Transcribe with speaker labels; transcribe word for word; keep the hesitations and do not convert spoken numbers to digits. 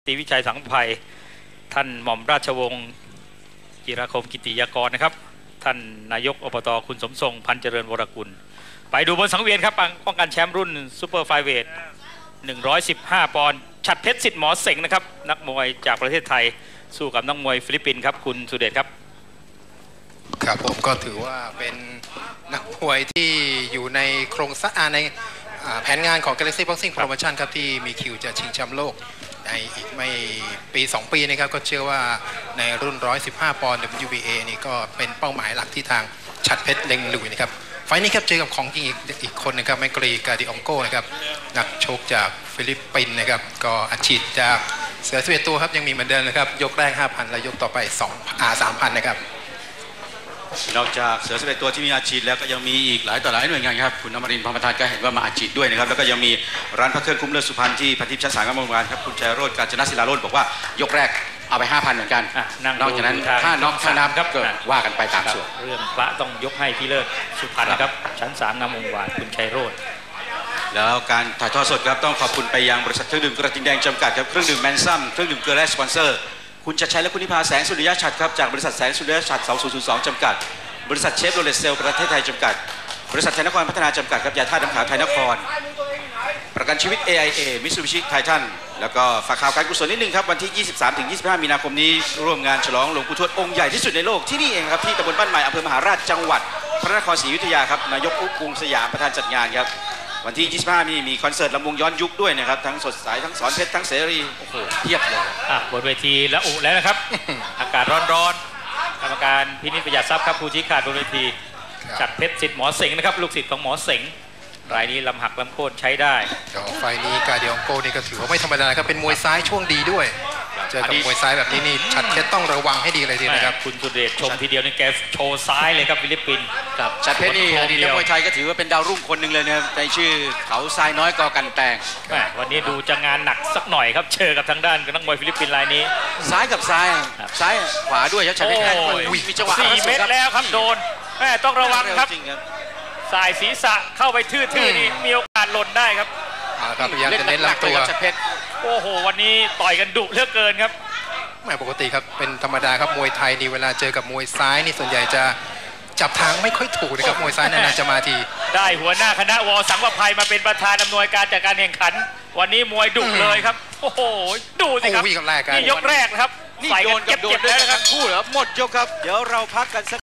Speaker 1: ตีวิชัยสังภัยท่านหม่อมราชวงศ์จิรคมกิติยากรนะครับท่านนายกอบต.คุณสมทรงพันเจริญวรกุลไปดูบนสังเวียนครับป้องกันแชมป์รุ่นซูเปอร์ไฟเวทหนึ่งร้อยสิบห้าปอนด์ฉัตรเพชรสิทธิ์หมอเสงนะครับนักมวยจากประเทศไทยสู้กับนักมวยฟิลิปปินส์ครับคุณสุเดชครับ
Speaker 2: ครับผมก็ถือว่าเป็นนักมวยที่อยู่ในโครงสร้างในแผนงานของ Galaxy Boxing Promotion ครับที่มีคิวจะชิงแชมป์โลกในอีกไม่ปีสองปีนะครับก็เชื่อว่าในรุ่นหนึ่งร้อยสิบห้าปอนด์ ดับเบิลยู บี เอ นี่ก็เป็นเป้าหมายหลักที่ทางฉัตรเพชรเล็งลุยนะครับไฟนี้ครับเจอกับของจริงอีกอีกคนนะครับแมกรีกาดิองโกนะครับนักชกจากฟิลิปปินส์นะครับก็อัดฉีดจากเสือสิบเอ็ดตัวครับยังมีเหมือนเดิมนะครับยกแรก ห้าพัน และยกต่อไปสองอ่า สามพัน นะครับ
Speaker 3: นอกจากเสือสิบเอ็ดตัวที่มีอาชีพแล้วก็ยังมีอีกหลายต่อหลายหน่วยงานครับคุณอมรินทร์พรหมประธานก็เห็นว่ามาอาชีพด้วยนะครับแล้วก็ยังมีร้านพระเครื่องคุ้มเลิศสุพรรณที่พันทิพย์ชั้นสามกำมวลครับคุณชัยโรจน์กาญจนศิลาโรจน์บอกว่ายกแรกเอาไป ห้าพัน เหมือนกันนอกจากนั้นถ้าน็อกถ้านับก็ว่ากันไปตามส่วน
Speaker 1: เรื่องพระต้องยกให้พี่เลิศสุพรรณครับชั้นสามงามวงวานคุณชัยโรจน์
Speaker 3: แล้วการถ่ายทอดสดครับต้องขอบคุณไปยังบริษัทเครื่องดื่มกระทิงแดงจำกัดครับเครื่องดื่มแมนซัมเครื่องดื่มเกลือและสปอนเซอร์คุณชัดชัยและคุณนิพาแสงสุริยะฉัตรครับจากบริษัทแสงสุริยะฉัตรสองพันสองจำกัดบริษัทเชฟโรเลตเซลประเทศไทยจำกัดบริษัทไทยนครพัฒนาจำกัดครับยาธาตุน้ำขาวไทยนครประกันชีวิต เอ ไอ เอ มิตซูบิชิไททันแล้วก็ฝากข่าวการกุศลนิดนึงครับวันที่ ยี่สิบสามถึงยี่สิบห้า มีนาคมนี้ร่วมงานฉลองหลวงปู่ทวดองค์ใหญ่ที่สุดในโลกที่นี่เองครับที่ตำบลบ้านใหม่อำเภอมหาราชจังหวัดพระนครศรีอยุธยาครับนายกอุ๊กกรุงสยามประธานจัดงานครับวันที่ ยี่สิบห้า มีมีคอนเสิร์ตลำวงย้อนยุคด้วยนะครับทั้งสดใสทั้งสอนเพชรทั้งเสรีโอ้โหเทียบเลย
Speaker 1: อ่ะบนเวทีแล้วอุแล้วนะครับ อากาศร้อนๆกรรมการพินิจประหยัดทรัพย์ครับผู้ชี้ขาดบนเวทีฉัตรเพชรสิทธิ์หมอเสงนะครับลูกศิษย์ของหมอเสงรายนี้ลำหักลำโค่นใช้ได้
Speaker 2: ไฟนี้กาเดียงโกนี่ก็ถือว่าไม่ธรรมดาครับเป็นมวยซ้ายช่วงดีด้วยเจอกับมวยซ้ายแบบนี้นี่ฉัตรเพชรต้องระวังให้ดีเลยทีนะครับ
Speaker 1: คุณสุเดชชมทีเดียวนี่แกโชว์ซ้ายเลยครับฟิลิปปินส์
Speaker 3: ครับฉัตรเพชรนี่อดีตนักมวยไทยก็ถือว่าเป็นดาวรุ่งคนหนึ่งเลยนะครับในชื่อเขาทรายน้อยกอกันแตง
Speaker 1: วันนี้ดูจะงานหนักสักหน่อยครับเจอกับทางด้านนักมวยฟิลิปปินส์รายนี้
Speaker 3: ซ้ายกับซ้ายซ้ายขวาด้วยครับฉัตรเพชรมีจังหวะ
Speaker 1: สี่เมตรแล้วครับโดนแม่ต้องระวังครับสายศีรษะเข้าไปทื่อๆนี่มีโอกาสหล่นได้ครับ
Speaker 2: พยายามจะเน้นลำตัว
Speaker 1: โอ้โหวันนี้ต่อยกันดุเหลือเกินครับ
Speaker 2: ไม่ปกติครับเป็นธรรมดาครับมวยไทยนี่เวลาเจอกับมวยซ้ายนี่ส่วนใหญ่จะจับทางไม่ค่อยถูกนะครับมวยซ้ายนานๆจะมาที
Speaker 1: ได้หัวหน้าคณะวอสังวภัยมาเป็นประธานอำนวยการจัดการแข่งขันวันนี้มวยดุเลยครับโอ้โหดูสิครับ
Speaker 2: นี่
Speaker 1: ยกแรกครับ
Speaker 3: นี่โดนกับโดนแล้วนะครับคู่เหรอหมดยกครับเดี๋ยวเราพักกันสัก